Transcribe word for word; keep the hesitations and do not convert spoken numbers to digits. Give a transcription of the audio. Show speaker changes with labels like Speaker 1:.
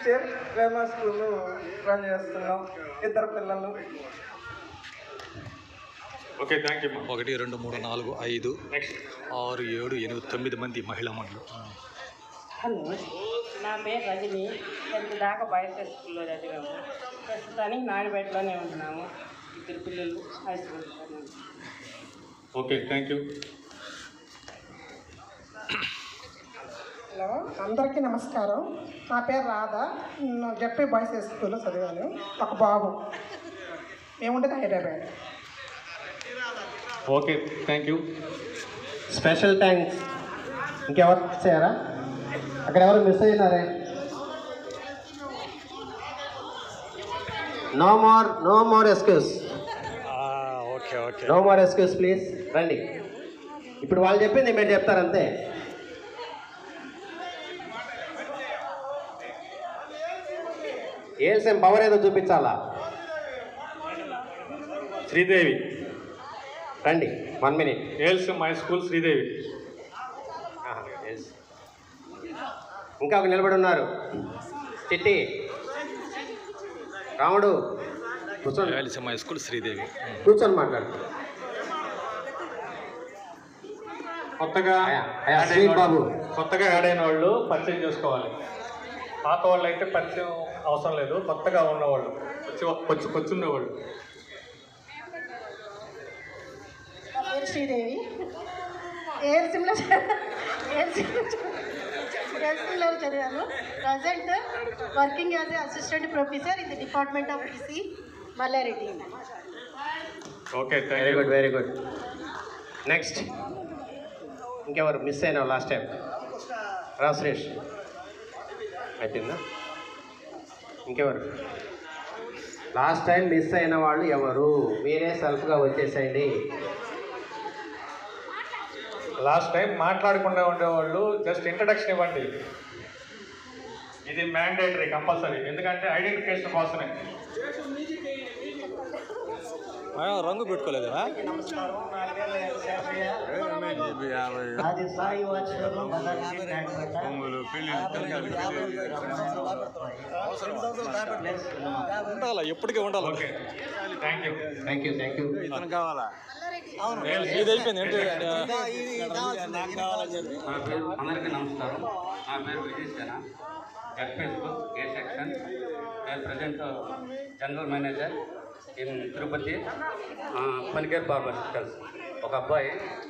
Speaker 1: Teacher Vema school run చేస్తున్నాం, ఇద్దరు పిల్లలు.
Speaker 2: Okay, thank you.
Speaker 3: ఒకటి రెండు మూడు నాలుగు ఐదు ఆరు ఏడు ఎనిమిది తొమ్మిది మంది మహిళా మండలి.
Speaker 4: హలో, నా పేరు రజని. టెన్త్ దాకా బాయ్స్ స్కూల్లో చదివాము. ప్రస్తుతానికి నాయుడుపేటలోనే ఉంటున్నాము. ఇద్దరు పిల్లలు high school.
Speaker 2: Okay, thank you.
Speaker 5: Hello, అందరికీ నమస్కారం. నా పేరు రాధా. జెడ్పీ బాయ్స్ స్కూల్లో చదివాను. ఒక బాబు. మేముండేది Hyderabad.
Speaker 2: Okay, thank you.
Speaker 6: Special thanks. ఇంకెవరు మిస్ అయ్యారా? అక్కడ ఎవరు మిస్ అయినారే? No more no more excuses.
Speaker 3: Okay okay
Speaker 6: no more excuses please. రండి. ఇప్పుడు వాళ్ళు చెప్పింది మీరు చెప్తారంతే. ఏల్సేం పవర్ ఏదో చూపించాలా?
Speaker 2: శ్రీదేవి.
Speaker 6: రండి, వన్ మినిట్.
Speaker 2: ఏల్స్ మై స్కూల్ శ్రీదేవి.
Speaker 6: ఇంకా ఒక నిలబడి ఉన్నారు. చిట్టి, రాముడు కూర్చోండి.
Speaker 3: రాయలసీమ స్కూల్ శ్రీదేవి.
Speaker 6: కూర్చొని మాట్లాడు.
Speaker 2: కొత్తగా
Speaker 6: అయ్యా, అయ్యా, శ్రీన్ బాబు.
Speaker 2: కొత్తగా యాడ్ అయిన వాళ్ళు పరిచయం చేసుకోవాలి. పాత వాళ్ళు అయితే పరిచయం అవసరం లేదు. కొత్తగా ఉన్నవాళ్ళు వచ్చి వచ్చి వచ్చున్నవాళ్ళు.
Speaker 7: నా పేరు శ్రీదేవి. ఏఎల్సీలో ఏఎల్సీలో చదివాను. Present working as a assistant professor in the department of EC Mallareddy.
Speaker 2: Okay, thank
Speaker 6: very
Speaker 2: you.
Speaker 6: Good, very good. Next ఇంకెవరు మిస్ అయినావు లాస్ట్ టైం? రా సురేష్. అయిపోయిందా? ఇంకెవరు లాస్ట్ టైం మిస్ అయిన వాళ్ళు ఎవరు? మీరే సెల్ఫ్గా వచ్చేసేయండి.
Speaker 2: లాస్ట్ టైం మాట్లాడకుండా ఉండేవాళ్ళు జస్ట్ ఇంట్రడక్షన్ ఇవ్వండి. ఇది మ్యాండేటరీ, కంపల్సరీ. ఎందుకంటే ఐడెంటిఫికేషన్ కోసమే.
Speaker 3: రంగు పెట్టుకోలేదా?
Speaker 8: అది సాయి వాచ్లో
Speaker 3: ఉండాలా, ఎప్పటికీ ఉండాలి.
Speaker 2: Okay, thank you.
Speaker 6: Thank you, thank you.
Speaker 3: ఇతను కావాలా? ఇది అయిపోయింది ఏంటి?
Speaker 9: నా పేరు అందరికీ నమస్కారం. నా పేరు Vijay Sena. Facebook A section. నేను present general manager in Tirupati. పనికేర్ బార్బర్. ఒక అబ్బాయి